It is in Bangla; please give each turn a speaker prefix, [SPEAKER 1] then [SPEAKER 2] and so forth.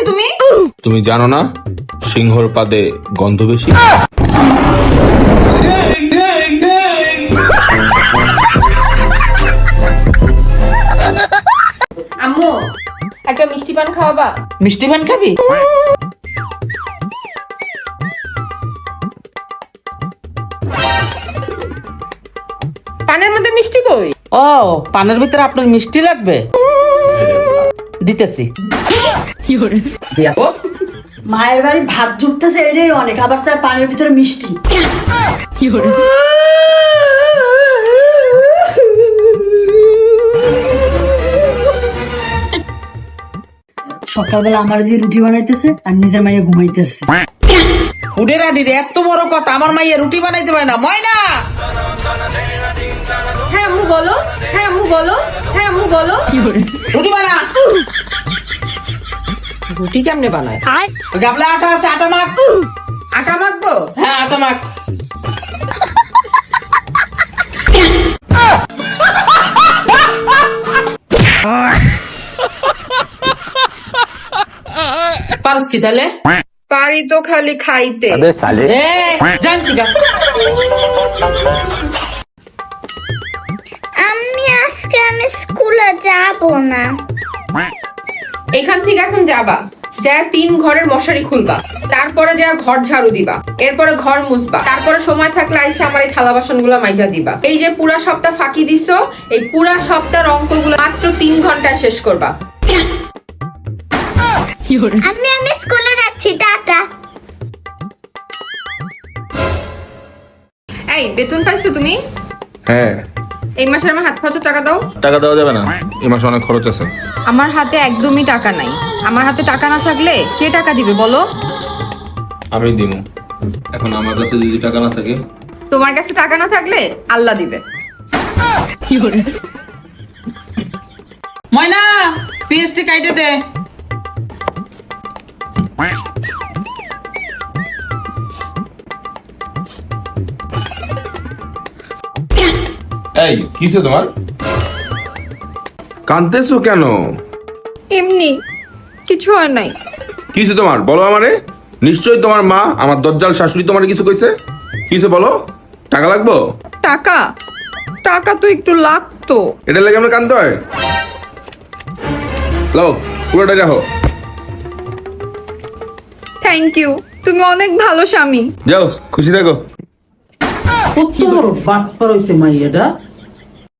[SPEAKER 1] তুমি?
[SPEAKER 2] তুমি জানো না সিংহর পাদে গন্ধ বেশি?
[SPEAKER 1] আম্মু একটা মিষ্টি পান খাওয়াবা?
[SPEAKER 3] মিষ্টি পান খাবি?
[SPEAKER 1] পানের মধ্যে মিষ্টি কই?
[SPEAKER 3] ও, পানের ভিতরে আপনার মিষ্টি লাগবে, দিতেছি।
[SPEAKER 4] মায়ের বাড়ি ভাত জুটতেছে এটাই অনেক, আবার চাই পানির ভিতরে মিষ্টি। সকালবেলা আমার দিয়ে রুটি বানাইতেছে আর নিজের মাইয়া ঘুমাইতেছে।
[SPEAKER 3] হুডে রাডির এত বড় কথা, আমার মাইয়া রুটি বানাইতে পারে না। ময়না,
[SPEAKER 1] হ্যাঁ আম্মু বলো, হ্যাঁ আম্মু বলো, হ্যাঁ আম্মু বলো।
[SPEAKER 3] রুটি বানা।
[SPEAKER 1] রুটি কেমনে বানায়?
[SPEAKER 3] গাবলা আটা আছে, আটা মাখ।
[SPEAKER 1] আটা মাখবো?
[SPEAKER 3] হ্যাঁ, আটা মাখ। পারস কি তাহলে?
[SPEAKER 1] পারি তো খালি খাইতে।
[SPEAKER 3] জানতি গা।
[SPEAKER 5] আমি স্কুলে যাব না।
[SPEAKER 1] এখান থেকে এখন যাবা, যা 3 ঘরের মশারি খুলবা, তারপরে যা ঘর ঝাড়ু দিবা, এরপরে ঘর মুছবা, তারপরে সময় থাকলে আইসা আমার এই থালা বাসন গুলা মাইজা দিবা। এই যে পুরা সপ্তাহ ফাঁকি দিছো, এই পুরা সপ্তাহের অঙ্কগুলো মাত্র 3 ঘন্টায় শেষ করবা।
[SPEAKER 5] আমি স্কুলে যাচ্ছি, টাটা।
[SPEAKER 1] এই বেতন পাইছো তুমি?
[SPEAKER 2] হ্যাঁ।
[SPEAKER 1] এই মাসে আমার হাত খরচের টাকা দাও।
[SPEAKER 2] টাকা দেওয়া যাবে না, এই মাসে অনেক খরচ আছে।
[SPEAKER 1] আমার হাতে একদমই টাকা নাই। আমার হাতে টাকা না থাকলে কে টাকা দিবে বলো?
[SPEAKER 2] আমি দিব। এখন আমার কাছে যদি টাকা না থাকে?
[SPEAKER 1] তোমার কাছে টাকা না থাকলে আল্লাহ দিবে।
[SPEAKER 3] ময়না, পিএসটি কাইটে দে।
[SPEAKER 2] এই কিসে তোমার? কাঁদতেছো কেন?
[SPEAKER 1] এমনি কিছু হয় নাই।
[SPEAKER 2] কিসে তোমার বলো আমারে? নিশ্চয়ই তোমার মা, আমার দজ্জাল শাশুড়ি তোমার কিছু কইছে। কিসে বলো? টাকা লাগবো?
[SPEAKER 1] টাকা? টাকা তো একটু লাগতো।
[SPEAKER 2] এটা লাগে আমরা কাঁদতে হয়? লাও, পুরোটাই রাখো।
[SPEAKER 1] থ্যাংক ইউ, তুমি অনেক ভালো স্বামী।
[SPEAKER 2] যাও, খুশি থাকো।
[SPEAKER 3] কত বড় বাটপার হইছে মাইয়াটা।